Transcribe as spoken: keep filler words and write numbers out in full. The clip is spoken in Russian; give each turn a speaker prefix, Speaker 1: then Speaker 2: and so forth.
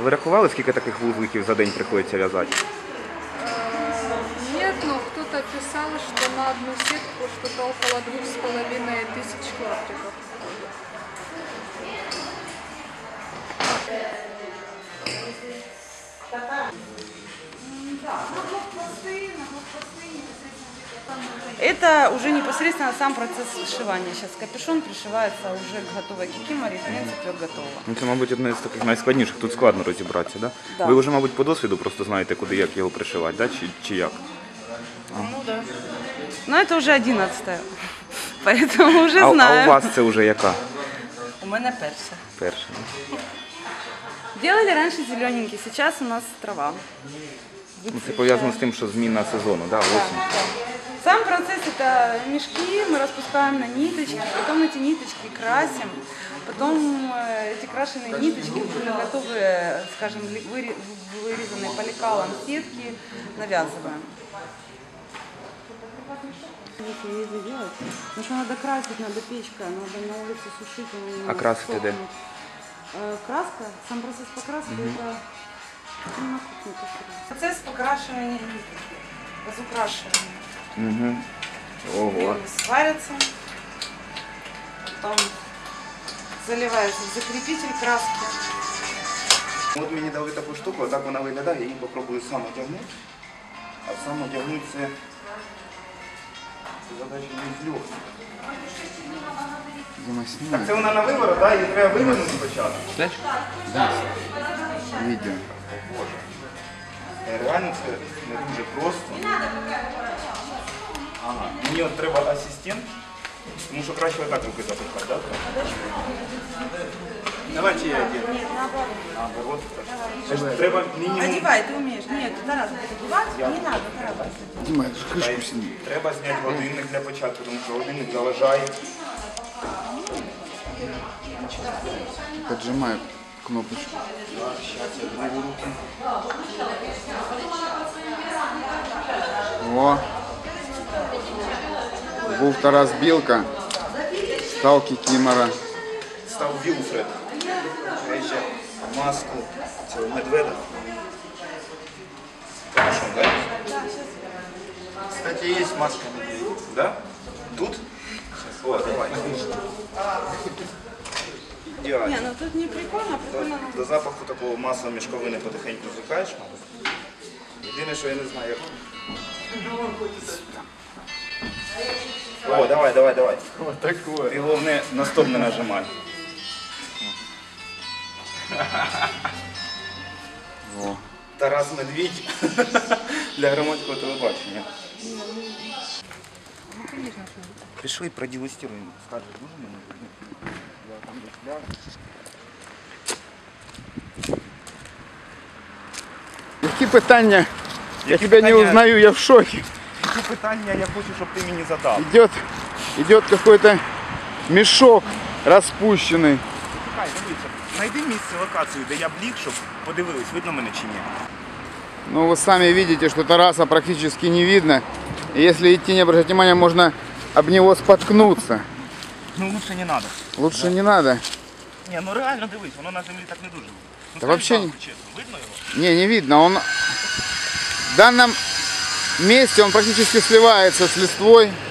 Speaker 1: ви рахували, скільки таких вузликів за день приходиться в'язати?
Speaker 2: Нет, но кто-то писал, что на одну сетку что-то около двух с половиной тысяч клаптиков.
Speaker 3: Это уже непосредственно сам процесс сшивания. Сейчас капюшон пришивается уже к готовой кикиморе, в принципе, готово.
Speaker 1: Ну, це, мабуть, одне з таких найскладніших. Тут складно розібратися, да?
Speaker 3: Да.
Speaker 1: Ви вже, мабуть, по досвіду просто знаєте, куди, як його пришивати, да? чи, чи як?
Speaker 3: Ну да. Но это уже одиннадцатая, поэтому уже
Speaker 1: А,
Speaker 3: знаю.
Speaker 1: а у вас це вже яка?
Speaker 3: У меня перша.
Speaker 1: Перша.
Speaker 3: Делали раньше зелененький, сейчас у нас трава.
Speaker 1: Ну, це пов'язано з тим, що зміна сезону, да? осінь.
Speaker 3: Сам процесс — это мешки, мы распускаем на ниточки, потом эти ниточки красим, потом эти крашеные ниточки, уже готовые, скажем, вырезанные по лекалам сетки, навязываем. Потому что надо красить, надо печка, надо на улице сушить.
Speaker 1: А красить где?
Speaker 3: Краска, сам процесс покраски mm-hmm. это на кухне. Процесс покрашивания ниток, разукрашивания.
Speaker 1: Угу. Ого.
Speaker 3: Сварятся, потом заливается в закрепитель краски.
Speaker 1: От мені дали таку штуку, отак вона виглядає, я її попробую сам одягнути. А сам одягнути це, це задача не з легких. Так це вона на виворот, так? Її треба вивернути спочатку.
Speaker 4: Так? Да. Відео.
Speaker 1: Боже. Реально це не дуже просто. Ага. Мені от треба асистент, тому що краще отак руки запихати, так? Давайте я одягну.
Speaker 3: Нет, наоборот.
Speaker 1: Наоборот. Значить, треба мінімум...
Speaker 3: Одевай, ты умеешь. Нет, Тарас будет одевать,
Speaker 1: Я...
Speaker 3: не надо, Тарас.
Speaker 4: Димай, крышку сними.
Speaker 1: Треба зняти годинник для початку, тому що годинник заважає.
Speaker 4: Поджимаю кнопочку.
Speaker 1: Зараз я другу руку.
Speaker 4: О. Був Тарас Білка, став кікімора.
Speaker 1: Став Вілфред. Я ще маску цього медведа. Хорошо, да? Кстати, есть маска медведя. Да? Тут? О, давай. Идеально.
Speaker 3: Не, ну тут не прикольно, прикольно.
Speaker 1: До, до запаху такого масла мішковини потихеньку звикаєш, мабуть. Єдине, що я не знаю, як... О, давай, давай, давай.
Speaker 4: Вот такое.
Speaker 1: Ти головне на стоп не нажимай.
Speaker 4: О.
Speaker 1: Тарас Медвідь для громадського телебачення. Пішли, продегустируємо. Скажеш, дуже мені? Я там десь ляг.
Speaker 4: Які питання? Я
Speaker 1: Які
Speaker 4: тебя не
Speaker 1: питання?
Speaker 4: узнаю, я в шоке.
Speaker 1: Які питання я хочу, щоб ти мені задав?
Speaker 4: Идет, идет какой-то мешок распущенный.
Speaker 1: Чекай, дивіться, знайди місце, локацію, де я б ліг, щоб подивились, видно мене чи ні.
Speaker 4: Ну вы сами видите, что Тараса практически не видно. И если идти, не обращать внимания, можно об него споткнуться.
Speaker 1: Ну лучше не треба.
Speaker 4: Лучше не надо.
Speaker 1: Ні, ну реально дивись, воно на землі так не дуже. Ну,
Speaker 4: Та
Speaker 1: скажи
Speaker 4: вообще
Speaker 1: правду,
Speaker 4: не-
Speaker 1: чесно, видно його?
Speaker 4: Не, не видно. Он в данном месте он практически сливается с листвой.